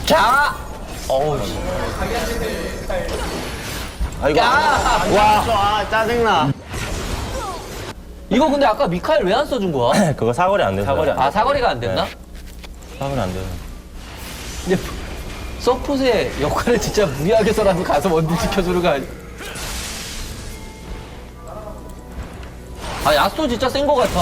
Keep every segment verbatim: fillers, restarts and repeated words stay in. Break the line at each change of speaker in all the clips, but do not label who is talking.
자! 어우, 씨.
아이고.
야!
와. 아, 짜증나.
이거 근데 아까 미카엘 왜 안 써준 거야?
그거 사거리 안 돼서.
사거리 안 돼.
아, 사거리가 안 됐나?
사거리 안 돼서.
근데 서폿의 역할을 진짜 무리하게서라도 가서 원딜 지켜주는 거 아니야? 아, 야스오 진짜 센 거 같아.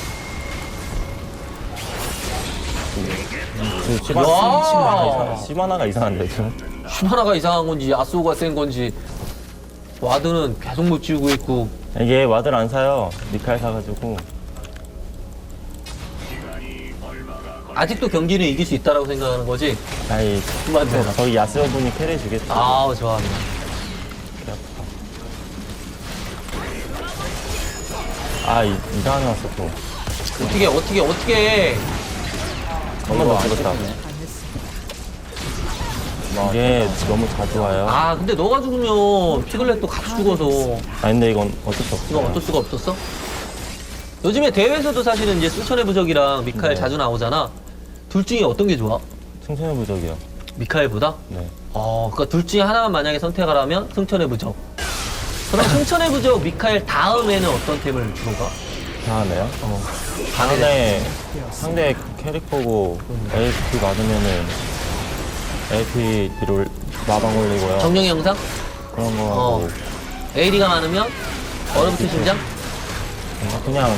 그 시바,
와.
시바나가, 시바나가 이상한데 좀.
슈마나가 이상한 건지 야스오가 센 건지 와드는 계속 못 지우고 있고.
이게 와드를 안 사요. 미카엘 사가지고.
아직도 경기는 이길 수 있다라고 생각하는 거지?
아이,
맞아.
저기 야스오 분이 캐리 주겠다.
아우, 좋아합니다.
아, 이, 이상하게 왔어 또.
어떻게, 어떻게, 어떻게.
한 번 더 죽었다. 이게 너무 자주 와요. 아,
아, 근데 너가 죽으면 피글렛도 같이 죽어서.
근데 이건 어쩔 수
이거
없어.
어쩔 수가 없었어? 요즘에 대회에서도 사실은 이제 승천의 부적이랑 미카엘
네.
자주 나오잖아. 둘 중에 어떤 게 좋아?
승천의 부적이요.
미카엘보다?
네.
어, 그러니까 둘 중에 하나만 만약에 선택하라면 승천의 부적. 그럼 승천의 부적 미카엘 다음에는 어떤 템을 주로 가?
이상하네요.
어.
상대, 상대 캐릭터고 에이피 받으면은 에이피 뒤로 마방 올리고요.
정령의 영상?
그런 거 하고.
어. 에이디가 많으면 얼음트 심장?
그냥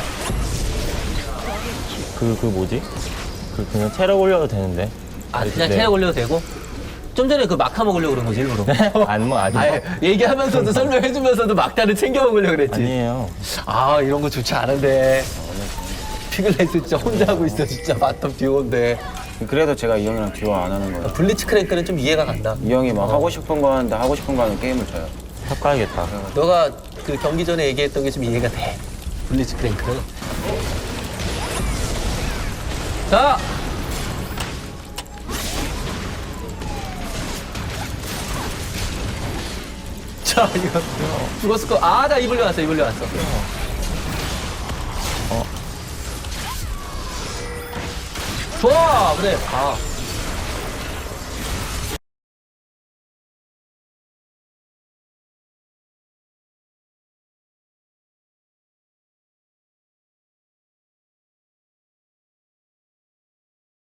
그, 그 뭐지? 그 그냥 체력 올려도 되는데.
아, 그냥
네.
체력 올려도 되고? 좀 전에 그 막타 먹으려고 그런 거지, 일부러.
안, 뭐, 아니요.
아예 얘기하면서도 설명해주면서도 막타를 챙겨 먹으려고 그랬지.
아니에요.
아, 이런 거 좋지 않은데. 피글렛 진짜 혼자 하고 있어, 진짜 바텀 듀오인데.
그래도 제가 이 형이랑 듀오 안 하는 거예요.
블리츠 크랭크는 좀 이해가 간다.
이 형이 막 하고 싶은 거 하는데 하고 싶은 거 하는 게임을 쳐요.
탑 가야겠다.
너가 그 경기 전에 얘기했던 게 좀 이해가 돼. 블리츠 크랭크는. 자! 자, 이거. 죽었을 거. 아, 나 이불려 왔어, 이불려 왔어. 어. 좋아! 그래. 아.